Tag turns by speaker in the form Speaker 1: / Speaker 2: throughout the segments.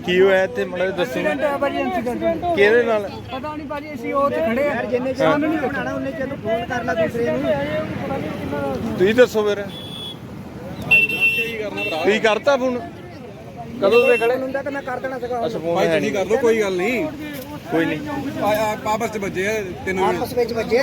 Speaker 1: ਕੀ ਹੋਇਆ ਇੱਥੇ ਮਾੜਾ ਜਿਹਾ ਦੱਸੋ।
Speaker 2: ਐਕਸੀਡੈਂਟ ਹੋਇਆ ਭਾਜੀ, ਐਕਸੀਡੈਂਟ
Speaker 1: ਕਿਹਦੇ ਨਾਲ?
Speaker 2: ਪਤਾ ਨਹੀਂ ਭਾਜੀ, ਅਸੀਂ ਉਹ ਤੇ ਖੜੇ ਆ, ਜਿੰਨੇ ਸਾਨੂੰ ਨਹੀਂ ਬਣਾਣਾ ਉਹਨੇ ਜਦੋਂ ਫੋਨ ਕਰ ਲਾ ਦੂਸਰੇ ਨੂੰ।
Speaker 1: ਤੁਸੀਂ ਦੱਸੋ ਫਿਰ ਤੁਸੀਂ ਕਰਤਾ ਫੋਨ ਕਦੋਂ ਦੇ ਖੜੇ
Speaker 2: ਹੁੰਦਾ ਤਾਂ ਮੈਂ ਕਰ ਦੇਣਾ ਸੀਗਾ।
Speaker 1: ਅੱਛਾ ਫੋਨ
Speaker 3: ਭਾਈ
Speaker 1: ਹੈ
Speaker 3: ਤੁਸੀਂ
Speaker 1: ਨਹੀਂ।
Speaker 3: ਕਰ ਲਓ, ਕੋਈ ਗੱਲ ਨਹੀਂ।
Speaker 1: ਕੋਈ ਨਹੀਂ
Speaker 3: ਆਪਸ ਚ ਵੱਜੇ ਆ ਤਿੰਨ
Speaker 2: ਆਪਸ ਵਿੱਚ ਵੱਜੇ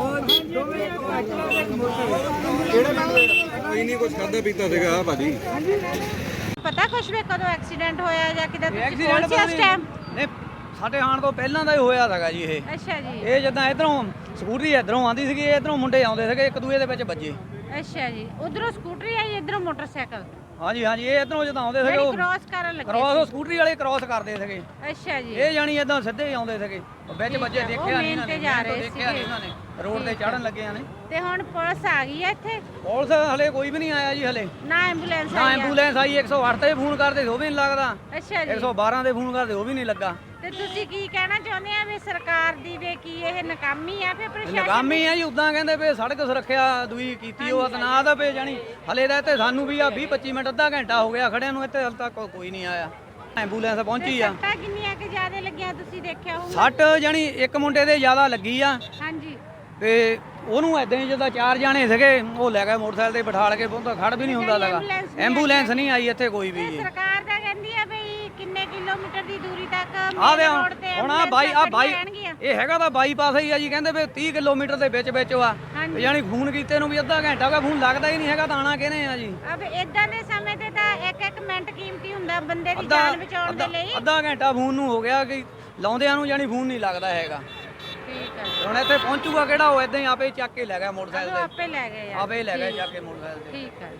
Speaker 3: ਕੋਈ ਨਹੀਂ, ਕੁਝ ਖਾਦਾ ਪੀਤਾ ਸੀਗਾ ਭਾਜੀ।
Speaker 4: ਪਤਾ ਕੁਛ ਵੀ ਕਦੋਂ ਐਕਸੀਡੈਂਟ ਹੋਇਆ ਜਾਂ ਕਿਦਾਂ ਤੁਸੀਂ ਕੋਲ ਸੀ ਉਸ ਟਾਈਮ?
Speaker 5: ਨਹੀਂ, ਸਾਡੇ ਆਉਣ ਤੋਂ ਪਹਿਲਾਂ ਦਾ ਹੀ ਹੋਇਆ ਸੀਗਾ ਜੀ ਇਹ।
Speaker 4: ਅੱਛਾ ਜੀ,
Speaker 5: ਇਹ ਜਿੱਦਾਂ ਇਧਰੋਂ ਸਕੂਟਰੀ ਇਧਰੋਂ ਆਉਂਦੀ ਸੀਗੀ, ਇਧਰੋਂ ਮੁੰਡੇ ਆਉਂਦੇ ਸੀਗੇ, ਇੱਕ ਦੂਏ ਦੇ ਵਿੱਚ ਵੱਜੇ।
Speaker 4: ਅੱਛਾ ਜੀ। ਉਧਰੋਂ ਸਕੂਟਰੀ ਆਈ, ਇਧਰੋਂ ਮੋਟਰਸਾਈਕਲ
Speaker 5: ਹਾਂਜੀ ਹਾਂਜੀ, ਇਹ ਇਧਰੋਂ ਜਦੋਂ ਆਉਂਦੇ ਸੀਗੇ ਉਹ
Speaker 4: ਕ੍ਰਾਸ ਕਰਨ ਲੱਗੇ
Speaker 5: ਕ੍ਰਾਸ, ਉਹ ਸਕੂਟਰੀ ਵਾਲੇ ਕ੍ਰਾਸ ਕਰਦੇ ਸੀਗੇ।
Speaker 4: ਅੱਛਾ ਜੀ।
Speaker 5: ਇਹ ਜਾਣੀ ਇਦਾਂ ਸਿੱਧੇ ਹੀ ਆਉਂਦੇ ਸੀਗੇ, ਉਹ ਵਿੱਚ ਵੱਜੇ
Speaker 4: ਉਹ
Speaker 5: ਦੇਖਿਆ ਨਹੀਂ ਇਹਨਾਂ
Speaker 4: ਮੇਨ
Speaker 5: ਨੇ,
Speaker 4: ਤੇ ਜਾ ਰਹੇ
Speaker 5: ਦੇਖਿਆ ਨਹੀਂ ਇਹਨਾਂ ਨੇ, ਰੋਡ ਤੇ ਚੜਨ ਲੱਗਿਆ ਨੇ।
Speaker 4: ਤੇ ਹੁਣ ਪੁਲਿਸ ਆ ਗਈ ਹੈ ਇੱਥੇ?
Speaker 5: ਪੁਲਿਸ ਹਲੇ ਕੋਈ ਵੀ ਨਹੀਂ ਆਇਆ ਜੀ ਹਲੇ।
Speaker 4: ਨਾ ਐਂਬੂਲੈਂਸ
Speaker 5: ਨਾ
Speaker 4: ਆਈ ਆ?
Speaker 5: ਐਂਬੂਲੈਂਸ ਆਈ, 108 ਤੇ ਫੋਨ ਕਰਦੇ ਉਹ ਵੀ ਨਹੀਂ ਲੱਗਦਾ,
Speaker 4: ਅੱਛਾ ਜੀ।
Speaker 5: 112 ਦੇ ਫੋਨ ਕਰਦੇ ਉਹ ਵੀ ਨਹੀਂ ਲੱਗਾ।
Speaker 4: ਤੇ ਤੁਸੀਂ ਕੀ ਕਹਿਣਾ ਚਾਹੁੰਦੇ ਆ ਵੀ ਸਰਕਾਰ ਦੀ ਵੀ ਕੀ ਇਹ ਨਾਕਾਮੀ ਆ ਫਿਰ ਪ੍ਰਸ਼ਾਸਨ
Speaker 5: ਨਕਾਮੀ ਆ ਜੀ, ਉਦਾਂ ਕਹਿੰਦੇ ਵੀ ਸੜਕ ਸੁਰੱਖਿਆ ਦੂਈ ਕੀਤੀ ਉਹ ਨਾ ਦਾ ਪੇ ਜਾਣੀ ਹਲੇ ਦਾ ਇੱਥੇ ਸਾਨੂੰ ਵੀ ਆ 20-25 ਮਿੰਟ ਅੱਧਾ ਘੰਟਾ ਹੋ ਗਿਆ ਖੜਿਆਂ ਨੂੰ, ਇੱਥੇ ਹਲ ਤੱਕ ਕੋਈ ਨਹੀਂ ਆਇਆ। ਐਂਬੂਲੈਂਸ ਪਹੁੰਚੀ ਆ।
Speaker 4: ਸੱਟਾਂ ਕਿੰਨੀਆਂ ਕਿ ਜ਼ਿਆਦਾ ਲੱਗੀਆਂ ਤੁਸੀਂ ਦੇਖਿਆ ਹੋਊਗਾ?
Speaker 5: ਸੱਟ ਜਾਣੀ ਇੱਕ ਮੁੰਡੇ ਦੇ ਜ਼ਿਆਦਾ ਲੱਗੀ ਆ
Speaker 4: ਹਾਂਜੀ।
Speaker 5: ਤੇ ਉਹਨੂੰ ਐਦਾਂ ਹੀ ਜਿੱਦਾਂ 4 ਜਾਣੇ ਸੀਗੇ ਉਹ ਲੈ ਗਏ ਮੋਟਰਸਾਈਕਲ ਤੇ ਬਿਠਾਲ ਕੇ, ਬਹੁਤਾ ਖੜ ਵੀ ਨਹੀਂ ਹੁੰਦਾ ਲਗਾ। ਐਂਬੂਲੈਂਸ ਨਹੀਂ ਆਈ ਇੱਥੇ ਕੋਈ ਵੀ ਜੀ।
Speaker 4: ਸਰਕਾਰ ਤਾਂ ਕਹਿੰਦੀ ਆ ਬਈ ਕਿੰਨੇ ਕਿਲੋਮੀਟਰ ਦੀ ਦੂਰੀ ਤੱਕ
Speaker 5: ਆ ਦੇ
Speaker 4: ਰੋਡ ਤੇ
Speaker 5: ਹੁਣ ਆ ਬਾਈ
Speaker 4: ਰਹਿਣਗੀਆਂ।
Speaker 5: ਇਹ ਹੈਗਾ ਤਾਂ ਬਾਈਪਾਸ ਹੀ ਆ ਜੀ, ਕਹਿੰਦੇ ਵੀ 30 ਕਿਲੋਮੀਟਰ ਦੇ ਵਿੱਚ ਵਿੱਚ ਆ।
Speaker 4: ਹਾਂਜੀ।
Speaker 5: ਯਾਨੀ ਫੋਨ ਕੀਤੇ ਨੂੰ ਵੀ ਅੱਧਾ ਘੰਟਾ ਹੋ ਗਿਆ, ਫੋਨ ਲੱਗਦਾ ਹੀ ਨਹੀਂ ਹੈਗਾ, ਤਾਂ ਆਣਾ ਕਿਹਨੇ ਆ ਜੀ।
Speaker 4: ਅਬ ਇਦਾਂ ਦੇ ਸਮੇਂ ਤੇ ਤਾਂ ਇੱਕ ਮਿੰਟ ਕੀਮਤੀ ਹੁੰਦਾ ਬੰਦੇ ਦੀ ਜਾਨ ਬਚਾਉਣ ਦੇ ਲਈ।
Speaker 5: ਅੱਧਾ ਘੰਟਾ ਫੋਨ ਨੂੰ ਹੋ ਗਿਆ ਕਿ ਲਾਉਂਦਿਆਂ ਨੂੰ ਜਾਨੀ ਫੋਨ ਨਹੀਂ ਲੱਗਦਾ ਹੈਗਾ।
Speaker 4: ਠੀਕ ਹੈ।
Speaker 5: ਹੁਣ ਇੱਥੇ ਪਹੁੰਚੂਗਾ ਕਿਹੜਾ, ਉਹ ਇਦਾਂ ਹੀ ਆਪੇ ਚੱਕ ਕੇ ਲੈ ਗਿਆ ਮੋਟਰਸਾਈਕਲ ਤੇ,
Speaker 4: ਆਪੇ ਲੈ ਗਏ ਯਾਰ।
Speaker 5: ਆਪੇ ਲੈ ਗਿਆ ਚੱਕ ਕੇ ਮੋਟਰਸਾਈਕਲ ਤੇ।
Speaker 4: ਠੀਕ ਹੈ।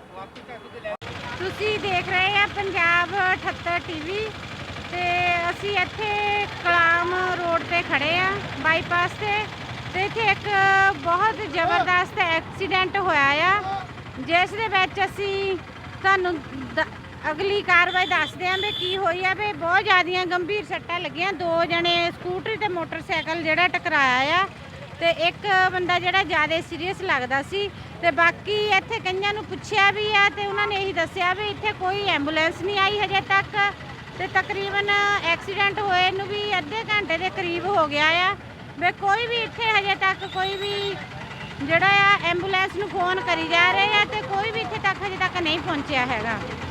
Speaker 4: ਤੁਸੀਂ ਦੇਖ ਰਹੇ ਆ ਪੰਜਾਬ 78 ਟੀਵੀ ਤੇ ਅਸੀਂ ਇੱਥੇ ਕਲਾਮ ਰੋਡ ਤੇ ਖੜੇ ਆ ਬਾਈਪਾਸ ਤੇ ਇੱਥੇ ਇੱਕ ਬਹੁਤ ਜ਼ਬਰਦਸਤ ਐਕਸੀਡੈਂਟ ਹੋਇਆ ਆ, ਜਿਸ ਦੇ ਵਿੱਚ ਅਸੀਂ ਤੁਹਾਨੂੰ ਅਗਲੀ ਕਾਰਵਾਈ ਦੱਸਦੇ ਆਂ ਵੀ ਕੀ ਹੋਈ ਆ। ਵੀ ਬਹੁਤ ਜ਼ਿਆਦੀਆਂ ਗੰਭੀਰ ਸੱਟਾਂ ਲੱਗੀਆਂ, 2 ਜਣੇ ਸਕੂਟਰੀ ਤੇ ਮੋਟਰਸਾਈਕਲ ਜਿਹੜਾ ਟਕਰਾਇਆ ਆ ਤੇ ਇੱਕ ਬੰਦਾ ਜਿਹੜਾ ਜ਼ਿਆਦਾ ਸੀਰੀਅਸ ਲੱਗਦਾ ਸੀ। ਤੇ ਬਾਕੀ ਇੱਥੇ ਕਈਆਂ ਨੂੰ ਪੁੱਛਿਆ ਵੀ ਆ ਤੇ ਉਹਨਾਂ ਨੇ ਇਹੀ ਦੱਸਿਆ ਵੀ ਇੱਥੇ ਕੋਈ ਐਂਬੂਲੈਂਸ ਨਹੀਂ ਆਈ ਹਜੇ ਤੱਕ, ਤੇ ਤਕਰੀਬਨ ਐਕਸੀਡੈਂਟ ਹੋਏ ਨੂੰ ਵੀ ਅੱਧੇ ਘੰਟੇ ਦੇ ਕਰੀਬ ਹੋ ਗਿਆ ਆ। ਵੀ ਕੋਈ ਵੀ ਇੱਥੇ ਹਜੇ ਤੱਕ ਕੋਈ ਵੀ ਜਿਹੜਾ ਆ ਐਂਬੂਲੈਂਸ ਨੂੰ ਫੋਨ ਕਰੀ ਜਾ ਰਹੇ ਆ ਤੇ ਕੋਈ ਵੀ ਇੱਥੇ ਤੱਕ ਹਜੇ ਤੱਕ ਨਹੀਂ ਪਹੁੰਚਿਆ ਹੈਗਾ।